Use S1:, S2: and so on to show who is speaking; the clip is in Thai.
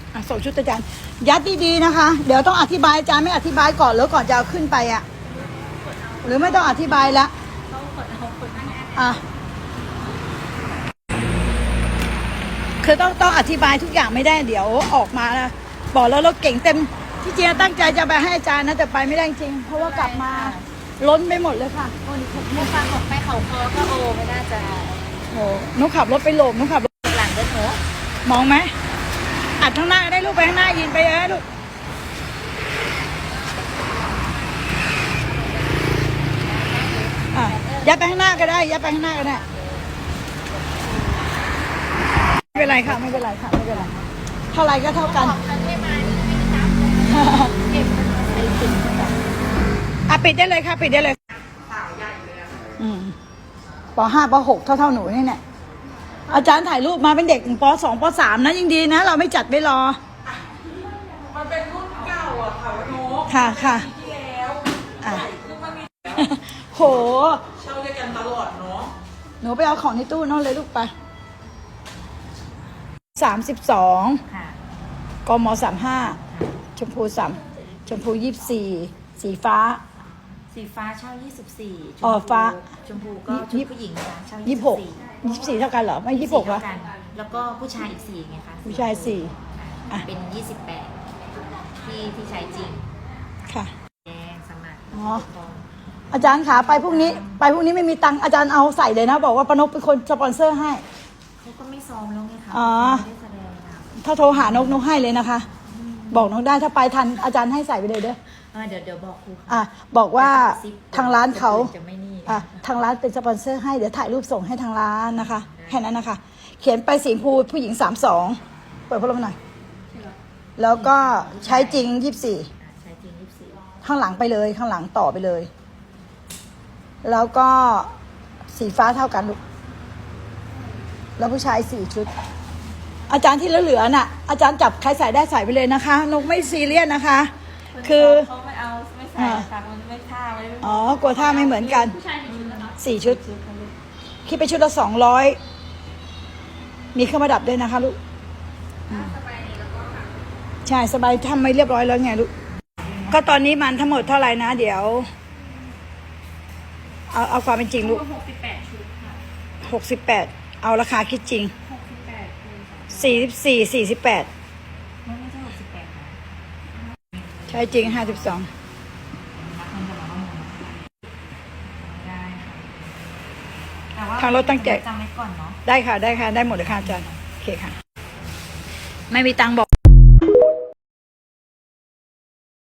S1: ส่งชุดอาจารย์ยัดดีๆนะคะเดี๋ยวต้องอธิบายอาจารย์ไม่อธิบายก่อนแล้วก่อนจะเอาขึ้นไปอ่ะหรือไม่ต้องอธิบายละคือต้องอธิบายทุกอย่างไม่ได้เดี๋ยวออกมานะบอกแล้วเราเก่งเต็มที่จริงตั้งใจจะไปให้อาจารย์นะแต่ไปไม่ได้จริงเพราะว่ากลับมาล้นไปหมดเลยค่ะโอ้นี่
S2: มุกฟังออกไปเขาคอก็โอไม่น่าจะ
S1: โอ้นุขับรถไปโหลมนุขับรถ
S2: หลังเดินหนู
S1: มองไหมอัดข้างหน้าได้ลูกไปข้างหน้ายินไปเลยลูกยัดไปข้างหน้าก็ได้ยัดไปข้างหน้าก็ได้ไม่เป็นไรค่ะไม่เป็นไรค่ะไม่เป็นไรเท่าไรก็เท่ากันปิดได้เลยค่ะปิดได้เลยป.5 ป.6 เท่าหนูนี่เนี่ยอาจารย์ถ่ายรูปมาเป็นเด็กป.2 ป.3 นะยิ่งดีนะเราไม่จัดไม่รอ
S3: มันเป็นรุ่นเก่าอ่ะค่ะโน้
S1: ค่ะ
S3: ที่แล้วคือมันมี
S1: โห
S3: เช่าด้วยกันตลอดเนาะ
S1: หนูไปเอาของในตู้นั่นเลยลูกไป32กม35ชมพูชมพู24สีฟ้า
S2: เช่า24
S1: ฟ้า
S2: ชมพูก็ชุดผู้หญิงนะคะเช่า
S1: 24เท่ากันเหรอไม่26เหรอ
S2: แล้วก็ผู้ชายอีก4ไงคะ
S1: ผู้ชาย4
S2: เป็น28ที่ใช้จริง
S1: ค่ะ
S2: แดงสมัคร
S1: อาจารย์ขาไปพรุ่งนี้ไม่มีตังค์อาจารย์เอาใส่เลยนะบอกว่าปนกเป็นคนสปอนเซอร์ให้
S2: เขาก็ไม่ซ้อมแล้วไงคะ
S1: ถ้าโทรหานกให้เลยนะคะบอกนกได้ถ้าไปทันอาจารย์ให้ใส่ไปเลยเด้อ
S2: เดี๋ยวบอกครู
S1: บอกว่าทางร้านเขาทางร้านเป็นสปอนเซอร์ให้เดี๋ยวถ่ายรูปส่งให้ทางร้านนะคะแค่นั้นนะคะเขียนไปสีพูผู้หญิง32เปิดพัดลมหน่อยแล้วก็ใช้จริง24ข้างหลังไปเลยข้างหลังต่อไปเลยแล้วก็สีฟ้าเท่ากันลูกแล้วผู้ชาย4ชุดอาจารย์ที่เหลือน่ะอาจารย์จับใครใส่ได้ใส่ไปเลยนะคะนกไม่ซีเรียสนะคะคือ
S2: เขาไม่เอาไม่ใส่ค่ะมันไม่ท่
S1: ากลัวท่าไม่เหมือนกัน4ชุดคิดไปชุดละ200มีเครื่องประดับด้วยนะคะลูกใช่สบายทำไม่เรียบร้อยแล้วไงลูกก็ตอนนี้มันทั้งหมดเท่าไหร่นะเดี๋ยวเอาความเป็นจริงลูก
S2: 68ชุดค่ะ
S1: 68เอาราคาคิดจริง44 48
S2: ไม่ใช่68ค่ะ
S1: ใช่จริง52ทางรถตั้งใจ
S2: จำไว้ก่อนเนาะ
S1: ได้ค่ะได้หมดเลยค่ะอาจารย์โอเคค่ะไม่มีตังค์บอก